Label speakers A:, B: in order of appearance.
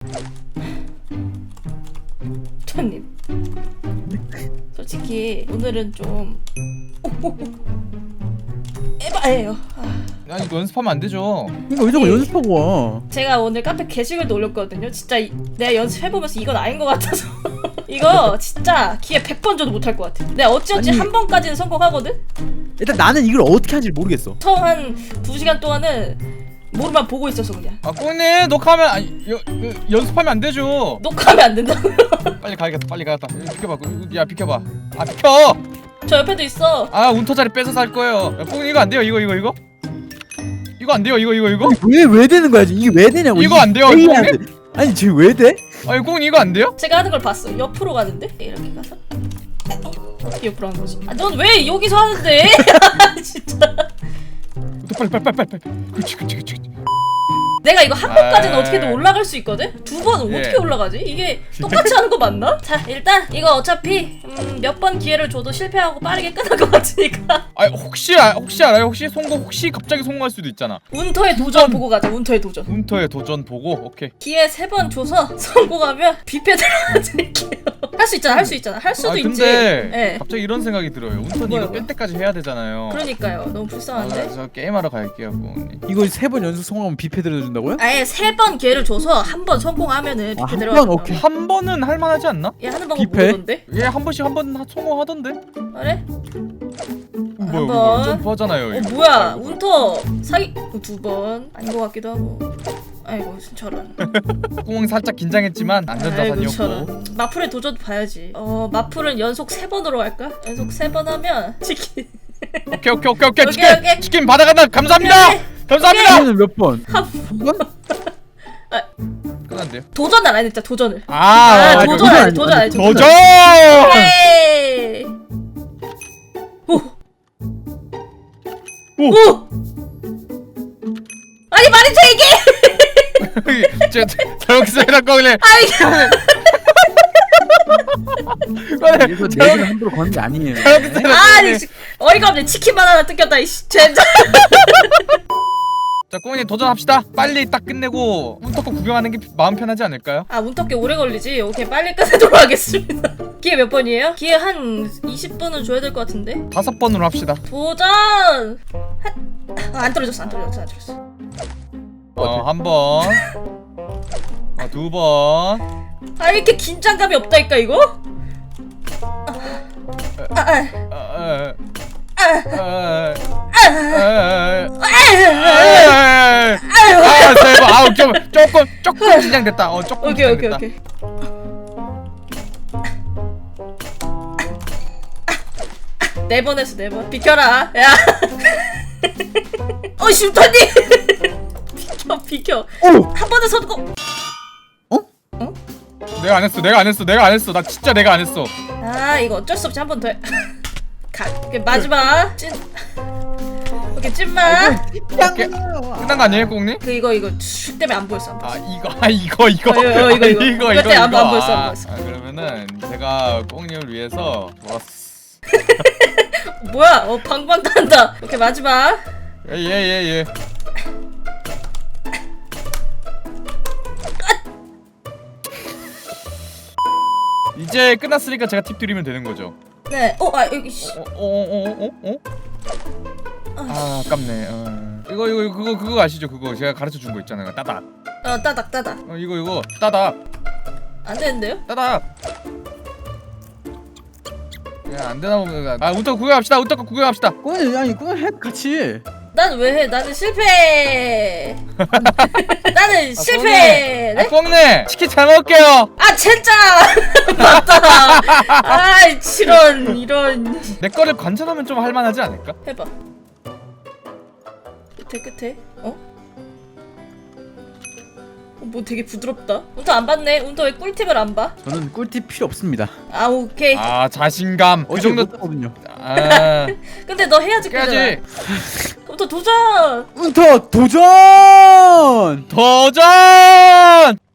A: 토님 솔직히 오늘은 좀 에바예요.
B: 아니 이거 연습하면 안 되죠.
C: 이거 왜 자꾸 연습하고 와?
A: 제가 오늘 카페 게시글도 올렸거든요. 진짜 내가 연습해보면서 이건 아닌 것 같아서 이거 진짜 기회 100번 줘도 못할 것 같아. 내가 어찌어찌
C: 아니,
A: 한 번까지는 성공하거든?
C: 일단 나는 이걸 어떻게 하는지 모르겠어.
A: 처음 한 2시간 동안은 모르만 보고 있었어 그냥.
B: 아 꽁님 녹화하면 아니 연습하면 안 되죠.
A: 녹화하면 안 된다고요?
B: 빨리 가야겠다. 빨리 가야겠다. 비켜봐. 야 비켜봐. 아 비켜.
A: 저 옆에도 있어.
B: 아 운터 자리 뺏어서 할 거예요. 야, 꽁님 이거 안 돼요. 이거 이거 안 돼요. 이거
C: 왜 되는 거야? 이게 왜 되냐고.
B: 이거 안 돼요,
C: 이게
B: 꽁님?
C: 안 돼. 아니 지금 왜 돼?
B: 아니 꽁님 이거 안 돼요?
A: 제가 하는 걸 봤어. 옆으로 가는데? 이렇게 가서 어떻게 옆으로 하는 거지? 아, 넌 왜 여기서 하는데? 진짜.
B: 빨리. 그렇지.
A: 내가 이거 한 번까지는
B: 아이.
A: 어떻게든 올라갈 수 있거든? 두 번은
B: 예.
A: 어떻게 올라가지? 이게 똑같이 하는 거 맞나? 자 일단 이거 어차피 몇 번 기회를 줘도 실패하고 빠르게 끝날 것 같으니까
B: 아 혹시 알아요? 혹시 갑자기 성공할 수도 있잖아.
A: 운터의 도전 보고 가자. 운터의 도전.
B: 운터의 도전 보고 오케이.
A: 기회 3번 줘서 성공하면 뷔페 들어가드릴게요. 할 수 있잖아. 할 수도 있지.
B: 근데
A: 예.
B: 갑자기 이런 생각이 들어요. 운터는
A: 뭐요?
B: 이거 뺄 때까지 해야 되잖아요.
A: 그러니까요. 너무 불쌍한데?
B: 저 게임하러 갈게요, 꽁님.
C: 이거 3번 연속 성공하면 뷔페 들어준다고요?
A: 아예 3번 기회를 줘서 한 번 성공하면은 뷔페
C: 한
A: 들어가.
C: 번? 오케이.
B: 한 번은 할만하지 않나?
A: 얘 하는 방법
C: 뷔페?
A: 모르던데?
B: 얘 한 번씩 한 번 성공하던데?
A: 그래?
B: 뭐야
A: 번.
B: 이거 점프하잖아요. 이거.
A: 뭐야?
B: 아이고.
A: 운터 사기 2번 아닌 것 같기도 하고. 아이고 저런.
B: 꽁 살짝 긴장했지만
A: 아이고
B: 안전자산이었고.
A: 저런. 마플의 도전 봐야지. 마플은 연속 3번으로 할까? 연속 3번 하면 치킨.
B: 오케이
A: 오케이,
B: 치킨
A: 오케이.
B: 치킨 받아간다. 감사합니다.
A: 오케이.
B: 감사합니다.
C: 이거는 몇 번? 한 번?
B: 끝났대요.
A: 도전 안 했다. 도전을.
B: 아,
A: 도전
C: 도전
A: 안 해.
C: 아니-
A: 도전 안 해.
B: 도전.
A: 오케이. 오.
B: 오.
A: 오. 아니 말이 돼 이게?
B: 제가 잘못했어요, 꽁님.
A: 아이.
C: 이거 내가 함부로 거는 게 아니에요.
A: 아니 어이가 없네. 치킨만 하나 뜯겼다. 이씨. 젠장.
B: 자, 꽁님 도전합시다. 빨리 딱 끝내고 운터코 구경하는 게 마음 편하지 않을까요?
A: 아 운터께 오래 걸리지? 오케이 빨리 끝내도록 하겠습니다. 기회 몇 번이에요? 기회 한 20분은 줘야 될 것 같은데?
B: 5번으로 합시다.
A: 도전! 안 떨어졌어.
B: 한 번. 2번.
A: 아 이렇게 긴장감이 없다니까 이거?
B: 대박. 조금 긴장됐다. 조금
A: 오케이
B: 긴장됐다.
A: 네 번 했어 4번. 비켜라. 야. 슈터님. 비켜.
C: 오!
A: 한 번에 성공.
B: 내가 안 했어. 나 진짜 내가 안 했어.
A: 아 이거 어쩔 수 없이 한 번 더 해. 오케이 마지막 찐. 오케이 찐마.
B: 끝난 거 아니에요, 꽁님?
A: 이거 슉 때문에 안 보였어.
B: 아 이거
A: 이거 때문에 안 보였어.
B: 그러면은 제가 꽁님을 위해서 좋았어.
A: 뭐야? 방방 간다. 오케이 마지막.
B: 예. 이제 끝났으니까 제가 팁 드리면 되는 거죠.
A: 네. 여기 씨.
B: 아 아깝네. 이거 그거 아시죠? 그거 제가 가르쳐 준 거 있잖아요. 따닥.
A: 따닥.
B: 이거 따닥.
A: 안 되는데요?
B: 따닥. 야, 안 되나 보면 운터 구경합시다.
C: 그건 해 같이.
A: 난 왜 해? 나는 실패. 나는 실패. 네?
B: 꽁네 치킨 잘 먹을게요.
A: 아 진짜 맞다. 아이 이런.
B: 내 거를 관찰하면 좀 할만하지 않을까?
A: 해봐. 끝에. 뭐 되게 부드럽다. 운터 안 봤네. 운터 왜 꿀팁을 안 봐?
C: 저는 꿀팁 필요 없습니다.
A: 아 오케이.
B: 아 자신감. 그 정도.
C: 거든요.
B: 아
A: 근데 너 해야지
B: 깨야지.
A: 운터 도전.
C: 운터 도전!
B: 도전.